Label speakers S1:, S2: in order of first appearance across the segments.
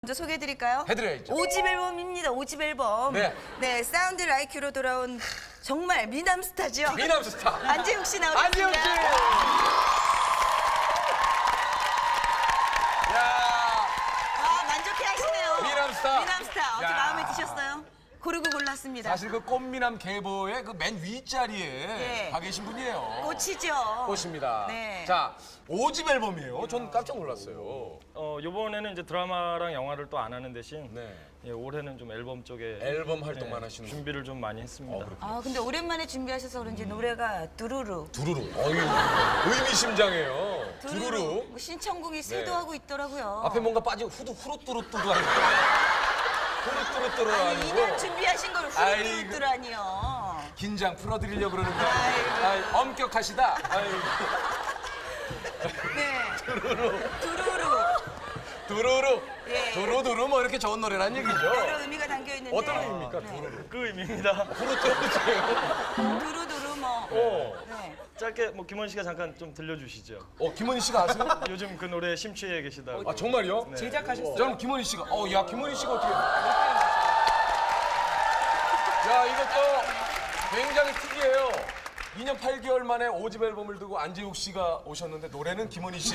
S1: 먼저 소개해드릴까요?
S2: 해드려야죠.
S1: 5집 앨범입니다. 5집 앨범.
S2: 네.
S1: 사운드 라이큐로 돌아온 정말 미남 스타죠.
S2: 미남 스타.
S1: 안재욱 씨 나오셨습니다.
S2: 안재욱 씨. 야,
S1: 만족해 하시네요.
S2: 미남 스타.
S1: 미남 스타. 어떻게
S2: 야.
S1: 마음에 드셨어요? 고르고 골랐습니다.
S2: 사실 그 꽃미남 계보의 그 맨 윗자리에
S1: 네.
S2: 가 계신 분이에요.
S1: 꽃이죠.
S2: 꽃입니다.
S1: 네.
S2: 자, 5집 앨범이에요. 전 깜짝 놀랐어요.
S3: 요번에는 이제 드라마랑 영화를 또 안 하는 대신
S2: 네.
S3: 예, 올해는 좀 앨범 쪽에
S2: 앨범 활동만 하시는
S3: 준비를 좀 많이 했습니다.
S1: 근데 오랜만에 준비하셔서 그런지 노래가 두루루.
S2: 두루루. 의미심장해요. 두루루.
S1: 뭐 신청곡이 쇄도하고 있더라고요.
S2: 앞에 뭔가 빠지고 후루뚜루뚜루 아니고. 후루뚜루뚜루
S1: 아니,
S2: 아니고.
S1: 2년 준비하신 걸
S2: 아이고.
S1: 후루뚜루뚜루라니요.
S2: 긴장 풀어드리려고 그러는데.
S1: 아이고.
S2: 엄격하시다. 아이고.
S1: 네. 두루루.
S2: 두루루.
S1: 예.
S2: 두루두루 뭐 이렇게 좋은 노래란 얘기죠.
S1: 여러 의미가 담겨 있는데.
S2: 어떤 의미입니까? 두루루.
S3: 그 의미입니다.
S2: 후루뚜루뚜루.
S1: 두루두루 뭐. 네.
S3: 짧게 뭐 김원 씨가 잠깐 좀 들려주시죠.
S2: 김원희 씨가 아세요?
S3: 요즘 그 노래 심취해 계시다고.
S2: 아 정말요?
S3: 네.
S4: 제작하셨어요?
S2: 저는 김원희 씨가 야 김원희 씨가 어떻게 야 이것도 굉장히 특이해요. 2년 8개월 만에 5집 앨범을 두고 안재욱 씨가 오셨는데 노래는 김원희 씨의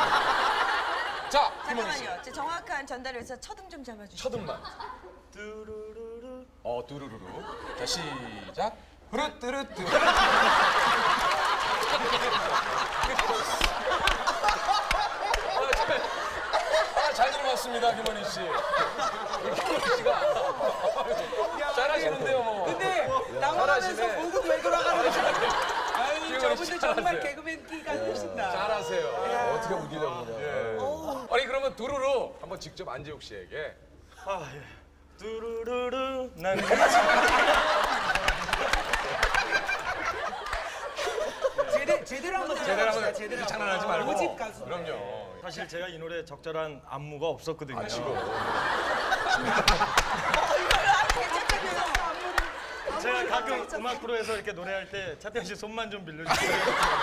S2: 자 김원희 씨
S1: 잠깐만요. 제 정확한 전달을 위해서 첫음 좀 잡아주세요.
S2: 첫음만
S3: 뚜루루루.
S2: 두루루루 자 시작 후루뚜루뚜 잘 들어봤습니다 김원희 씨. 김원희 씨가 잘하시는데요 뭐.
S4: 근데 나무하면서
S2: 잘하시네.
S4: 보고 왜 돌아가는 거야? 아유,
S2: 지금
S4: 저분들
S2: 잘하세요.
S4: 정말 개그맨 끼가 있으신다.
S2: 잘하세요. 어떻게 우기려고 그래. 아니 그러면 두루루 한번 직접 안재욱 씨에게
S3: 아 예. 뚜루루루 난
S4: 제대로 한번
S2: 제대로
S4: 들어봅시다.
S2: 한번
S4: 제대로
S2: 장난하지 말고.
S4: 5집 가수.
S2: 그럼요.
S3: 사실 제가 이 노래에 적절한 안무가 없었거든요. 제가 가끔 음악 프로에서 이렇게 노래할 때 차태현 씨 손만 좀 빌려주세요.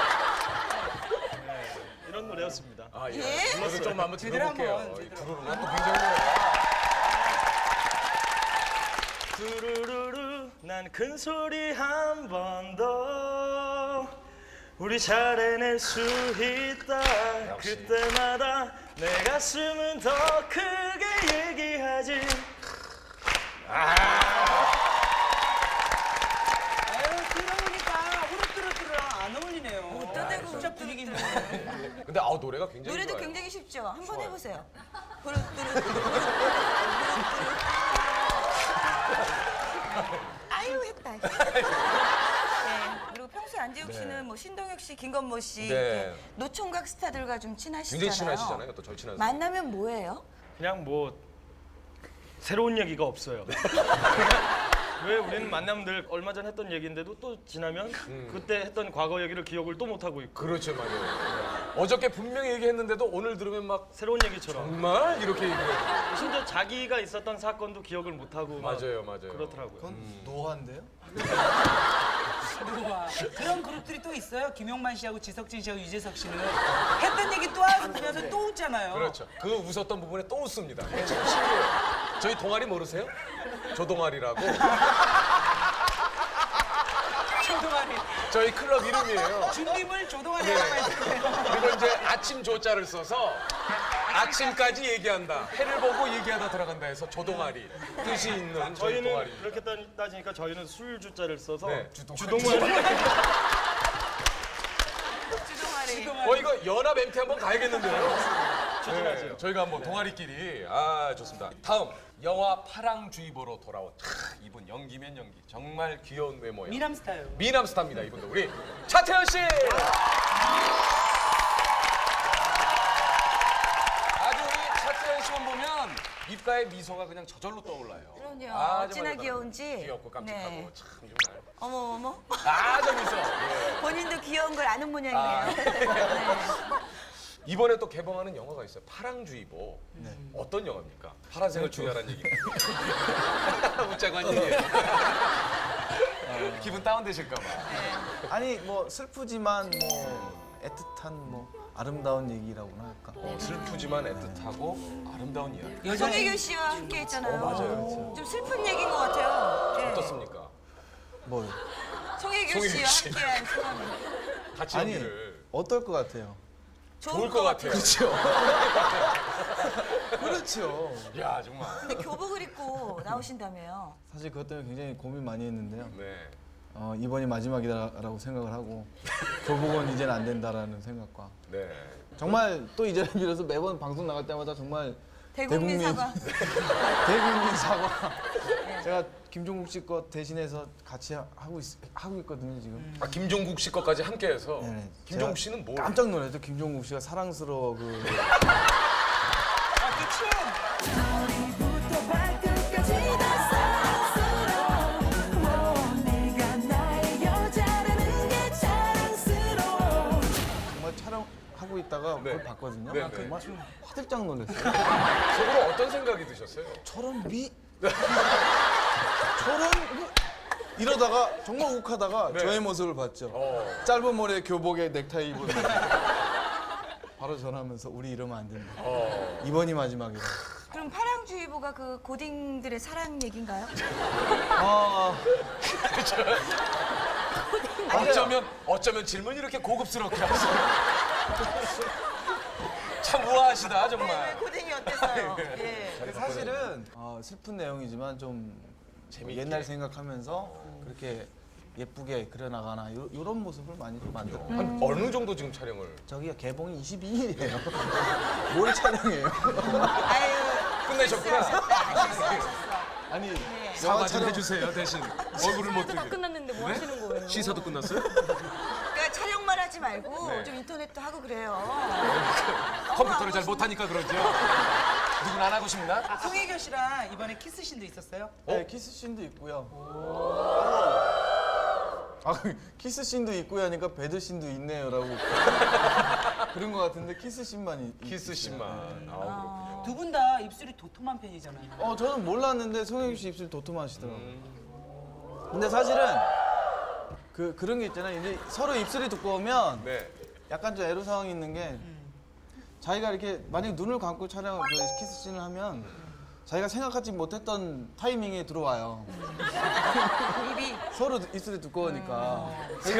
S3: 네, 이런 노래였습니다.
S2: 아 예.
S1: 예?
S2: 불러서 좀 한번
S4: 제대로
S2: 들어볼게요.
S4: 한번,
S2: 이
S4: 제대로.
S2: 두루루가 또 굉장히
S3: 두루루루 난 큰 소리 한 번 더 우리 잘 해낼 수 있다 그때마다 내 가슴은 더 크게 얘기하지
S4: 아유, 들어보니까 후루뚜루뚜루랑 안 어울리네요.
S1: 어떠대고
S4: 진짜 분위기 있네.
S2: 근데 노래가 굉장히
S1: 노래도
S2: 좋아요.
S1: 굉장히 쉽죠. 한번 해보세요. 후루뚜루. 아유 했다. 네. 그리고 평소에 안재욱 씨는 뭐 신동엽 씨, 김건모 씨
S2: 네.
S1: 이렇게 노총각 스타들과 좀 친하시잖아요.
S2: 굉장히 친하시잖아요. 또 절친하세요.
S1: 만나면 뭐예요?
S3: 그냥 뭐 새로운 얘기가 없어요. 왜 우리는 만나면 늘 얼마 전 했던 얘기인데도 또 지나면 그때 했던 과거 얘기를 기억을 또 못 하고 있고
S2: 그렇죠, 맞아요. 어저께 분명히 얘기했는데도 오늘 들으면 막
S3: 새로운 얘기처럼
S2: 정말 이렇게 얘기해요.
S3: 심지어 자기가 있었던 사건도 기억을 못 하고 막
S2: 맞아요, 맞아요.
S3: 그렇더라고요.
S5: 노화인데요?
S4: 노화. 그런 그룹들이 또 있어요. 김용만 씨하고 지석진 씨하고 유재석 씨는 했던 얘기 또 하면서 또 웃잖아요.
S2: 그렇죠. 그 웃었던 부분에 또 웃습니다. 참 신기해요. 저희 동아리 모르세요? 조동아리라고.
S4: 조동아리.
S2: 저희 클럽 이름이에요.
S4: 준비물 조동아리 하나만 있는데.
S2: 그리고 이제 아침 조자를 써서 아침까지 얘기한다. 해를 보고 얘기하다 들어간다 해서 조동아리 뜻이 있는 저희
S3: 저희는
S2: 동아리.
S3: 그렇게 따지니까 저희는 술 주자를 써서
S2: 네,
S3: 주동을
S1: 주동아리.
S2: 이거 연합 MT 한번 가야겠는데요.
S3: 추진하죠.
S2: 네, 저희가 한번 동아리끼리 좋습니다. 다음 영화 파랑주의보로 돌아온 이분 연기면 연기 정말 귀여운 외모예요.
S4: 미남 스타요.
S2: 미남 스타입니다. 이분도 우리 차태현 씨. 아주 우리 차태현 씨만 보면 입가에 미소가 그냥 저절로 떠올라요.
S1: 그럼요.
S2: 정말
S1: 어찌나 귀여운지.
S2: 귀엽고 깜찍하고
S1: 네.
S2: 참 정말.
S1: 어머.
S2: 저 미소. 예.
S1: 본인도 귀여운 걸 아는 모양이네요. 네.
S2: 이번에 또 개봉하는 영화가 있어요. 파랑주의보. 어떤 영화입니까? 파란색을 주의하라는 얘기. 웃자고 한 얘기예요. 기분 다운되실까 봐.
S5: 아니 뭐 슬프지만 뭐 애틋한 뭐 아름다운 얘기라고나 할까?
S2: 슬프지만 애틋하고 아름다운 이야기.
S1: 송혜교 씨와 함께 했잖아요.
S2: 맞아요.
S1: 좀 슬픈 얘기인 것 같아요. 네.
S2: 어떻습니까?
S5: 뭐요?
S1: 송혜교
S2: 송혜교
S1: 씨와
S2: 씨.
S1: 함께한 소감이
S2: 같이
S5: 아니
S2: 연기를.
S5: 어떨 것 같아요?
S2: 좋을 것 같아요.
S5: 그렇죠. 그렇죠.
S2: 야 정말.
S1: 근데 교복을 입고 나오신다며요.
S5: 사실 그것 때문에 굉장히 고민 많이 했는데요.
S2: 네.
S5: 이번이 마지막이다라고 생각을 하고 교복은 이제는 안 된다라는 생각과
S2: 네.
S5: 정말 또 이 자리를 빌어서 매번 방송 나갈 때마다 정말
S1: 대국민 사과.
S5: 대국민 사과. 제가 김종국 씨 거 대신해서 같이 하고 있거든요 지금.
S2: 아 김종국 씨 것까지 함께해서.
S5: 네네.
S2: 김종국
S5: 제가
S2: 씨는 뭐?
S5: 깜짝 놀랐죠. 김종국 씨가 사랑스러워
S1: 아, 그 춤.
S5: 정말 촬영하고 있다가
S2: 네.
S5: 그걸 봤거든요.
S2: 네, 네.
S5: 정말 화들짝 놀랐어요.
S2: 속으로 어떤 생각이 드셨어요?
S5: 저런 저런 이러다가 정말 욱하다가
S2: 네.
S5: 저의 모습을 봤죠.
S2: 어.
S5: 짧은 머리에 교복에 넥타이 입은 바로 전화하면서 우리 이러면 안 된다. 이번이 마지막이다.
S1: 그럼 파랑주의보가 그 고딩들의 사랑 얘기인가요?
S5: 아,
S2: 어쩌면 질문이 이렇게 고급스럽게 하세요. 참 우아하시다
S1: 왜
S2: 정말.
S1: 고딩이 어땠어요? 예.
S5: 사실은 슬픈 내용이지만 좀
S2: 재미있게.
S5: 옛날 생각하면서 그렇게 예쁘게 그려나가나 이런 모습을 많이 좀 만들어요.
S2: 한 어느 정도 지금 촬영을?
S5: 저기가 개봉이 22일이에요. 뭘 촬영해요?
S1: 아유,
S2: 끝내셨구나.
S1: 실수하셨어.
S5: 아니
S2: 사과 좀 해주세요 대신. 얼굴을 못
S6: 다
S2: 들게.
S6: 끝났는데 뭐 하시는 거예요?
S2: 시사도 끝났어요?
S1: 그러니까 촬영만 하지 말고
S2: 네.
S1: 좀 인터넷도 하고 그래요.
S2: 컴퓨터를 잘 못하니까 그러죠. 누군 안 하고 싶나?
S4: 송혜교 씨랑 이번에 키스신도 있었어요?
S5: 네, 키스 씬도 있고요. 키스 씬도 있고요 하니까 배드 씬도 있네요라고 그런 것 같은데 키스 씬만
S2: 키스 씬만. 아,
S4: 두 분 다 입술이 도톰한 편이잖아요.
S5: 저는 몰랐는데 송혜교 씨 입술 도톰하시더라고요. 근데 사실은 그런 게 있잖아요. 이제 서로 입술이 두꺼우면
S2: 네.
S5: 약간 좀 애로사항이 있는 게 자기가 이렇게 만약 눈을 감고 촬영을 키스 씬을 하면 자기가 생각하지 못했던 타이밍에 들어와요.
S1: 입이
S5: 서로 입술이 두꺼우니까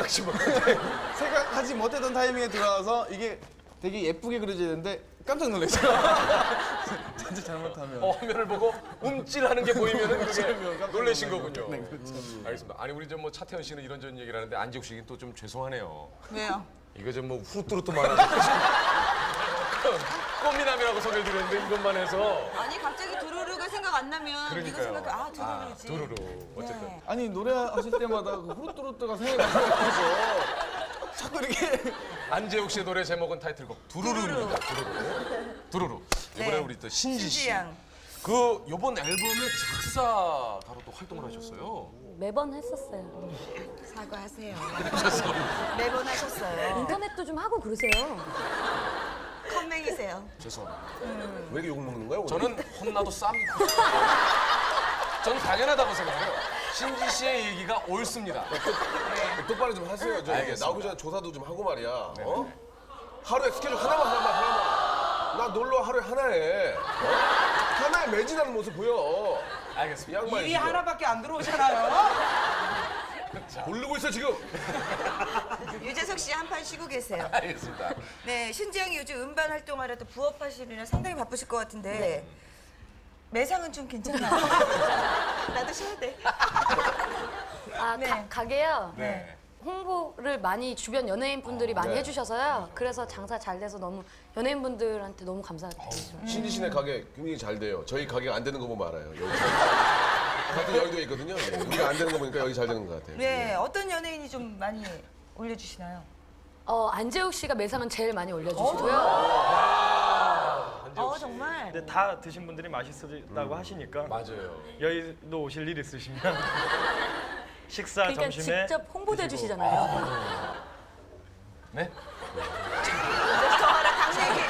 S5: 생각하지 못했던 타이밍에 들어와서 이게 되게 예쁘게 그려져야 되는데 깜짝 놀랐어요. 진짜 잘못하면.
S2: 화면을 보고 움찔하는 게 보이면은 그게
S5: 깜짝
S2: 놀라신
S5: 놀라요.
S2: 거군요.
S5: 네, 그렇죠.
S2: 알겠습니다. 아니 우리 좀 뭐 차태현 씨는 이런저런 얘기를 하는데 안지욱 씨는 또 좀 죄송하네요.
S1: 왜요?
S2: 이거 좀 뭐 후루뚜루뚜 말하는 꽃미남이라고 소개를 드렸는데 이것만 해서
S1: 아니 갑자기 두루루가 생각 안 나면 이거 생각해 두루루지.
S2: 두루루 어쨌든
S1: 네.
S5: 아니 노래하실 때마다 그 후루뚜루뚜가 생각이 나서 자꾸 이렇게
S2: 안재욱 씨의 노래 제목은 타이틀곡 두루루입니다. 두루루. 이번에
S1: 네.
S2: 우리 또 신지 씨.
S1: 신지양.
S2: 그 이번 앨범의 작사가로 또 활동을 하셨어요.
S6: 매번 했었어요.
S1: 사과하세요. 매번 하셨어요.
S6: 인터넷도 좀 하고 그러세요.
S1: 컴맹이세요.
S2: 죄송합니다.
S7: 왜 이렇게 욕을 먹는 거야? 오늘?
S2: 저는 혼나도 쌉니다. 저는 당연하다고 생각해요. 신지 씨의 얘기가 옳습니다.
S7: 똑바로 좀 하세요. 저
S2: 알겠습니다.
S7: 나오기 전에 조사도 좀 하고 말이야. 어? 하루에 스케줄 하나만. 나 놀러 하루에 하나 해. 하나에 매진하는 모습 보여. 이
S2: 알겠습니다.
S7: 양반이
S4: 일이
S7: 지금.
S4: 하나밖에 안 들어오잖아요.
S7: 고르고 있어 지금.
S1: 유재석 씨 한 판 쉬고 계세요.
S2: 알겠습니다.
S1: 네, 신지영이 요즘 음반 활동하려 또 부업하시느라 상당히 바쁘실 것 같은데 매상은 좀 괜찮아요? 나도 쉬어야 돼.
S6: 네. 가게요.
S2: 네.
S6: 홍보를 많이 주변 연예인 분들이 많이
S7: 네.
S6: 해주셔서요. 그래서 장사 잘 돼서 너무 연예인 분들한테 너무 감사드리죠.
S7: 신지 씨네 가게 굉장히 잘 돼요. 저희 가게가 안 되는 거 보면 알아요. 여기. 같은 여의도에 있거든요. 예. 우리가 안 되는 거 보니까 여기 잘 되는 것 같아요.
S1: 네, 어떤 연예인이 좀 많이 올려주시나요?
S6: 안재욱 씨가 매상은 제일 많이 올려주시고요.
S1: 정말.
S3: 근데 다 드신 분들이 맛있었다고 하시니까
S2: 맞아요.
S3: 여의도 오실 일 있으시면 식사
S6: 그러니까
S3: 점심에
S6: 직접 홍보도
S3: 드시고.
S6: 해주시잖아요.
S2: 네?
S1: 더하라 당 얘기.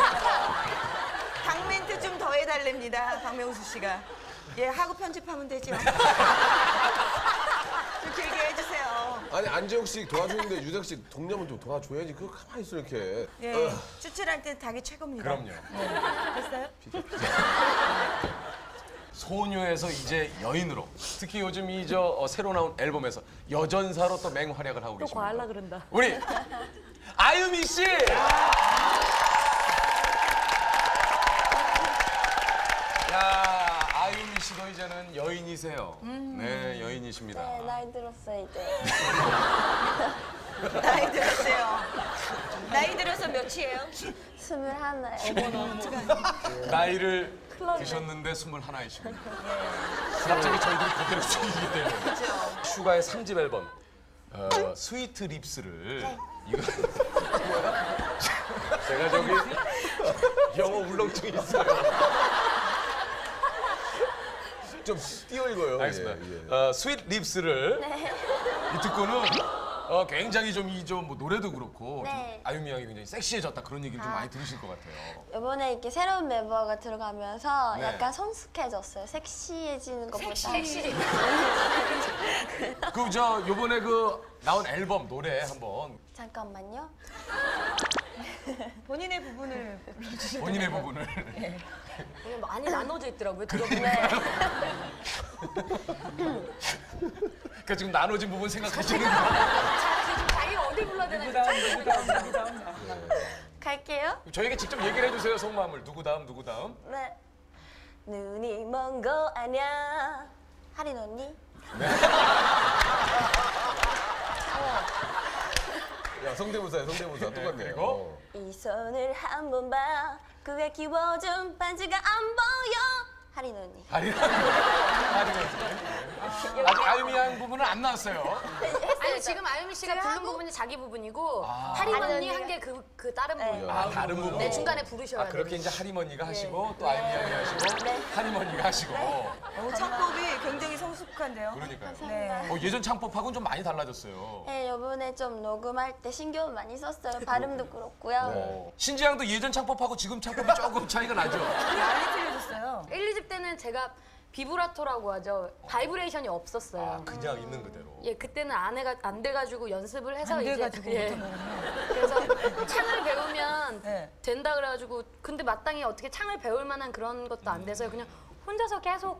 S1: 당 멘트 좀 더 해달랍니다. 박명수 씨가. 예, 하고 편집하면 되죠. 그렇게 얘기해 주세요.
S7: 아니 안재욱 씨 도와주는데 유재석 씨 동료면 좀 도와줘야지. 그거 가만히 있어 이렇게.
S1: 예, 추출할 땐 닭이 최고입니다.
S2: 그럼요.
S1: 됐어요?
S2: 소녀에서 이제 여인으로 특히 요즘 이 저 새로 나온 앨범에서 여전사로 또 맹활약을 하고
S6: 또
S2: 계십니다.
S6: 과하려 그런다.
S2: 우리 아유미 씨. 야, 아유미 씨도 이제는 여인이세요. 네, 여인이십니다.
S8: 네, 나이 들었어요 이제.
S1: 나이 들었어요. 나이 들어서 몇이에요?
S8: 21에.
S2: 나이를 드셨는데 21이십니다. 갑자기 저희들이 그대로 숙이기 때문에. 슈가의 3집 앨범 스위트 립스를 이거 뭐야? 제가 저기 영어 울렁증이 있어요.
S7: 좀 띄어 읽어요.
S2: 알겠습니다.
S7: 예, 예.
S2: 스윗 립스를 이 듣고는 굉장히 좀 이 좀 뭐 노래도 그렇고 좀
S8: 네.
S2: 아유미 양이 굉장히 섹시해졌다 그런 얘기를 좀 많이 들으실 것 같아요.
S8: 이번에 이렇게 새로운 멤버가 들어가면서
S2: 네.
S8: 약간 성숙해졌어요. 섹시해지는 것보다.
S2: 그 저 요번에 그 나온 앨범 노래 한번
S8: 잠깐만요.
S1: 본인의 부분을 불러주시면
S2: 본인의 부분을
S6: 오늘 많이 나눠져 있더라고요. 들어보면.
S8: 네.
S2: 그러니까 지금 나눠진 부분 생각하시는 거예요.
S6: 지금 자기가 어디 불러야 되나
S4: 누구 다음.
S8: 갈게요.
S2: 저에게 직접 얘기를 해주세요 속마음을 누구 다음 누구 다음.
S8: 네. 눈이 먼 거 아냐. 하린 언니.
S7: 야 성대모사야 성대모사 똑같네.
S2: 그리고?
S8: 이 손을 한번 봐. 그게 끼워준 반지가 안 보여. 하린 언니.
S2: 아직 아유미 양 부분은 안 나왔어요.
S6: 아니 지금 아유미 씨가 부른 부분이 자기 부분이고 하림 언니 한 게 그 다른 부분.
S2: 아 다른 부분.
S6: 네 중간에 부르셔야 돼요.
S2: 그렇게 이제 하림언니가 하시고 또 아유미 양이 하시고 하림언니가 하시고.
S1: 창법이 굉장히 성숙한데요.
S2: 그러니까요.
S1: 네.
S2: 예전 창법하고는 좀 많이 달라졌어요.
S8: 네, 요번에 좀 녹음할 때 신경 많이 썼어요. 발음도 그렇고요.
S2: 신지양도 예전 창법하고 지금 창법이 조금 차이가 나죠.
S1: 많이 틀려졌어요.
S6: 1, 2집 때는 제가 비브라토라고 하죠. 바이브레이션이 없었어요.
S2: 그냥 있는 그대로.
S6: 예, 그때는 안 돼가지고 연습을 해서
S1: 안
S6: 이제
S1: 돼가지고
S6: 그래서 창을 배우면
S1: 네.
S6: 된다 그래가지고 근데 마땅히 어떻게 창을 배울 만한 그런 것도 안 돼서 그냥 혼자서 계속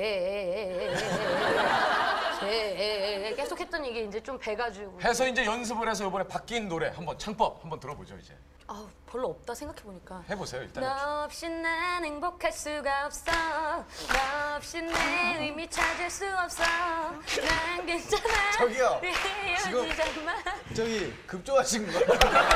S6: 계속 했던 이게 이제 좀 배가지고
S2: 해서 이제 연습을 해서 이번에 바뀐 노래 한번 창법 한번 들어보죠 이제.
S6: 아 별로 없다 생각해 보니까.
S2: 해보세요 일단.
S6: 너 없이 난 행복할 수가 없어. 너 없이 내 의미 찾을 수 없어. 난 괜찮아.
S5: 저기요.
S6: 지금
S5: 저기 급조하신 거.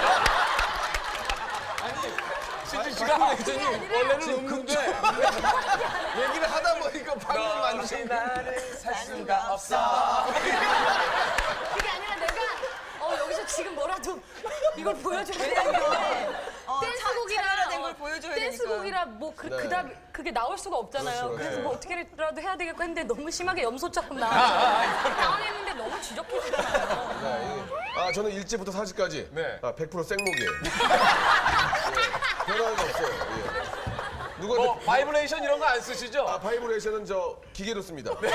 S2: 신지 씨가
S5: 원래는 없는데 얘기를 하다 보니까 방금 만드신
S2: 나를 살 수가 없어.
S6: 그게 아니라 내가 여기서 지금 뭐라도 이걸 보여줘야 되는데
S1: 차별화된 걸 보여줘야 되니까.
S6: 댄스곡이라 뭐 그다음 그게 나올 수가 없잖아요.
S7: 그렇죠.
S6: 그래서
S7: 네.
S6: 뭐 어떻게라도 해야 되겠고 했는데 너무 심하게 염소처럼 당황했는데 너무 지적해지잖아요.
S7: 저는 1집부터 4집까지
S2: 네.
S7: 100% 생목이에요. 예. 변화가 없어요. 예. 누구한테
S2: 뭐 바이브레이션 이런 거 안 쓰시죠?
S7: 바이브레이션은 저 기계로 씁니다. 예.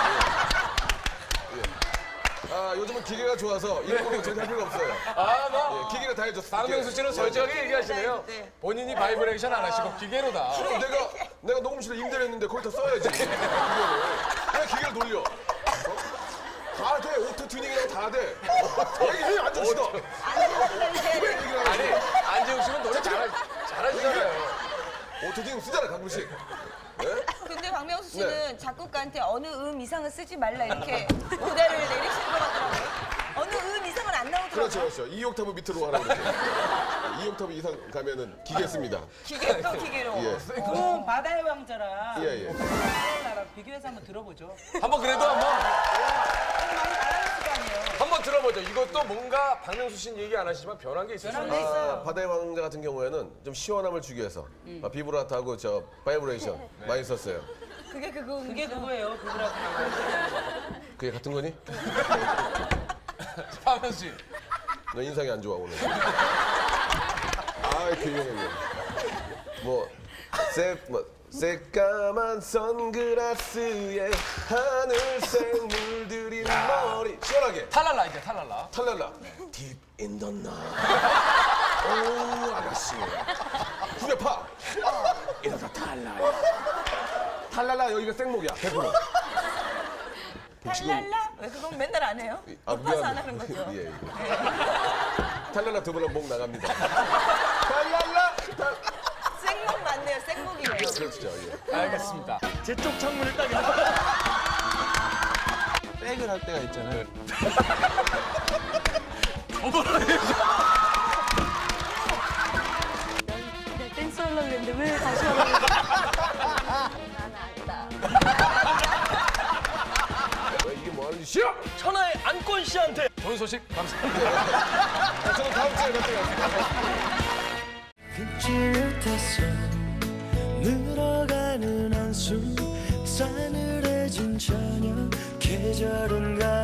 S7: 요즘은 기계가 좋아서 이런 거 저렇게 할 필요 없어요.
S2: 뭐
S7: 기계가 다 해줬어.
S2: 박명수 씨는 솔직하게 얘기하시네요.
S1: 네.
S2: 본인이 바이브레이션 안 하시고 기계로다.
S7: 그럼 내가 녹음실에 임대했는데 거기다 써야지. 기계를. 왜 기계를 돌려? 다 돼. 오토 튜닝이라고 다 돼. 얘기해 안정 씨도.
S2: 아니 안재욱 씨는 노래 잘하시잖아요.
S7: 오토 튜닝 쓰잖아 가끔씩. 네?
S1: 근데 박명수 씨는 작곡가한테 어느 이상은 쓰지 말라 이렇게 오다를 내리시는 것 같더라고요. 어느 이상은 안 나오더라고요.
S7: 그렇죠, 그렇죠. 2옥타브 밑으로 가라고 그러죠. 2옥타브 이상 가면은 기계 씁니다.
S1: 기계 또 기계로.
S7: 예.
S4: 그럼 바다의 왕자랑
S7: 예, 예.
S4: 바다의 나라 비교해서 한번 들어보죠.
S2: 한번 그래도
S1: 많이 달라졌을 거 아니에요.
S2: 한번 들어보죠. 이것도 뭔가 박명수 씨는 얘기 안 하시지만 변한 게 있으시죠.
S7: 바다의 왕자 같은 경우에는 좀 시원함을 주기 위해서 비브라토하고 저 바이브레이션 많이 썼어요.
S1: 그게
S4: 그거예요. 비브라토.
S7: 그게 같은 거니?
S2: 박명수 씨.
S7: 너 인상이 안 좋아 오늘. 교육했네. 새까만 선글라스에 하늘색 물들인 머리 시원하게
S2: 탈랄라 이제 탈랄라.
S7: 탈랄라 Deep in the night 오 아가씨 후벼파 이러다 탈랄라 탈랄라 여기가 생목이야 100%
S1: 탈랄라? 왜 그건 맨날 안 해요? 높아서 안 하는 거죠.
S7: 예, 예. 탈랄라 두 번은 목 나갑니다 탈랄라
S1: 생목 맞네요. 생목이네요.
S7: 그렇죠 예.
S2: 알겠습니다.
S3: 제 쪽 창문을 딱 이렇게.
S5: 백을 할 때가 있잖아요.
S6: 내가 댄스 하려고 했는데 왜 다시 하라고 그래? 나는 안다.
S7: 이게 뭐 하는 짓이야?
S3: 천하의 안건 씨한테
S2: 좋은 소식 감사합니다.
S7: 저는 다음 주에 뵙겠습니다
S9: 잊지 못했어 늘어가는 한숨 싸늘해진 저녁 계절은 가